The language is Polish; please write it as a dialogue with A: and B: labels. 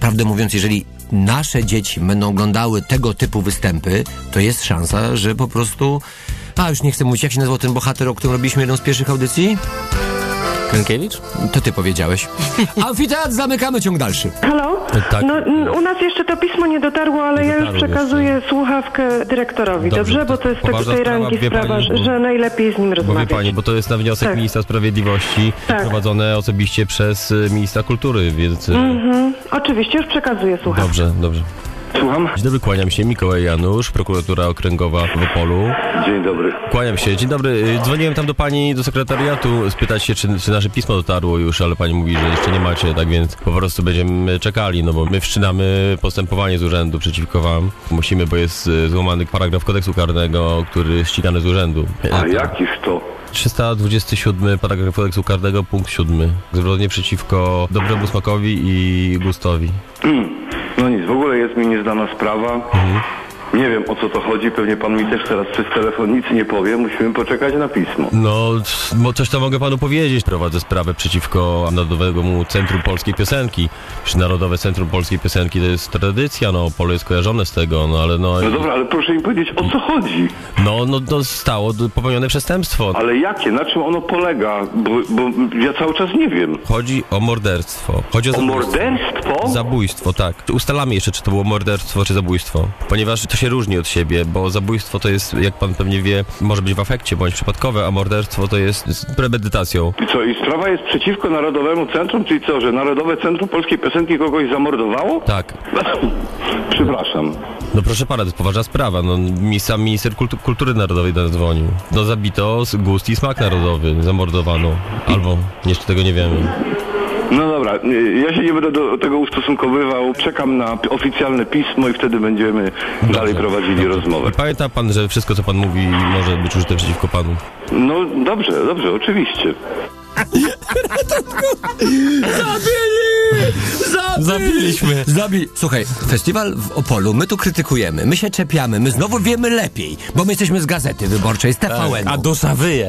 A: prawdę mówiąc, jeżeli nasze dzieci będą oglądały tego typu występy, to jest szansa, że po prostu... już nie chcę mówić, jak się nazywał ten bohater, o którym robiliśmy jedną z pierwszych audycji?
B: Krękiewicz?
A: To ty powiedziałeś. Amfiteatr, zamykamy, ciąg dalszy.
C: Halo?
B: Tak.
C: No, u nas jeszcze to pismo nie dotarło, ale ja już przekazuję słuchawkę dyrektorowi, dobrze? Bo to jest tej rangi sprawa, że najlepiej z nim
B: Bo
C: rozmawiać.
B: wie pani, bo to jest na wniosek ministra sprawiedliwości prowadzone osobiście przez ministra kultury, więc...
C: Oczywiście, już przekazuję słuchawkę.
B: Dobrze.
D: Słucham?
B: Dzień dobry, kłaniam się. Mikołaj Janusz, prokuratura okręgowa w Opolu.
D: Dzień dobry.
B: Kłaniam się. Dzień dobry. Dzwoniłem tam do pani, do sekretariatu, spytać się, czy nasze pismo dotarło już, ale pani mówi, że jeszcze nie macie, tak więc po prostu będziemy czekali, no bo my wszczynamy postępowanie z urzędu przeciwko wam. Musimy, bo jest złamany paragraf kodeksu karnego, który ścigany z urzędu.
D: A jakiż to?
B: 327 paragraf kodeksu karnego, punkt 7. Zbrodnie przeciwko dobremu smakowi i gustowi.
D: No nic, w ogóle jest mi nieznana sprawa. Nie wiem, o co to chodzi, pewnie pan mi też teraz przez telefon nic nie powie, musimy poczekać na pismo.
B: No, coś tam mogę panu powiedzieć. Prowadzę sprawę przeciwko Narodowemu Centrum Polskiej Piosenki. Przecież Narodowe Centrum Polskiej Piosenki to jest tradycja, no, Opole jest kojarzone z tego, no ale no...
D: No dobra, ale proszę mi powiedzieć, o co chodzi?
B: No, zostało popełnione przestępstwo.
D: Ale jakie? Na czym ono polega? Bo ja cały czas nie wiem.
B: Chodzi o morderstwo. Chodzi
D: O morderstwo?
B: Zabójstwo, tak. Ustalamy jeszcze, czy to było morderstwo, czy zabójstwo. Ponieważ to się różni od siebie, bo zabójstwo to jest, jak pan pewnie wie, może być w afekcie, bądź przypadkowe, a morderstwo to jest z premedytacją.
D: I co, i sprawa jest przeciwko Narodowemu Centrum? Czyli co, że Narodowe Centrum Polskiej Piosenki kogoś zamordowało?
B: Tak.
D: Przepraszam.
B: No proszę pana, to jest poważna sprawa. No, sam minister kultury narodowej do nas dzwonił. No zabito gust i smak narodowy, zamordowano. Albo jeszcze tego nie wiemy.
D: No dobra, ja się nie będę do tego ustosunkowywał. Czekam na oficjalne pismo i wtedy będziemy dalej prowadzili rozmowę.
B: I pamięta pan, że wszystko, co pan mówi, może być użyte przeciwko panu?
D: No dobrze, oczywiście.
B: Zabiliśmy.
A: Słuchaj, festiwal w Opolu, my tu krytykujemy, my się czepiamy, my znowu wiemy lepiej, bo my jesteśmy z Gazety Wyborczej, z TVN-u.
B: A dusza wyje.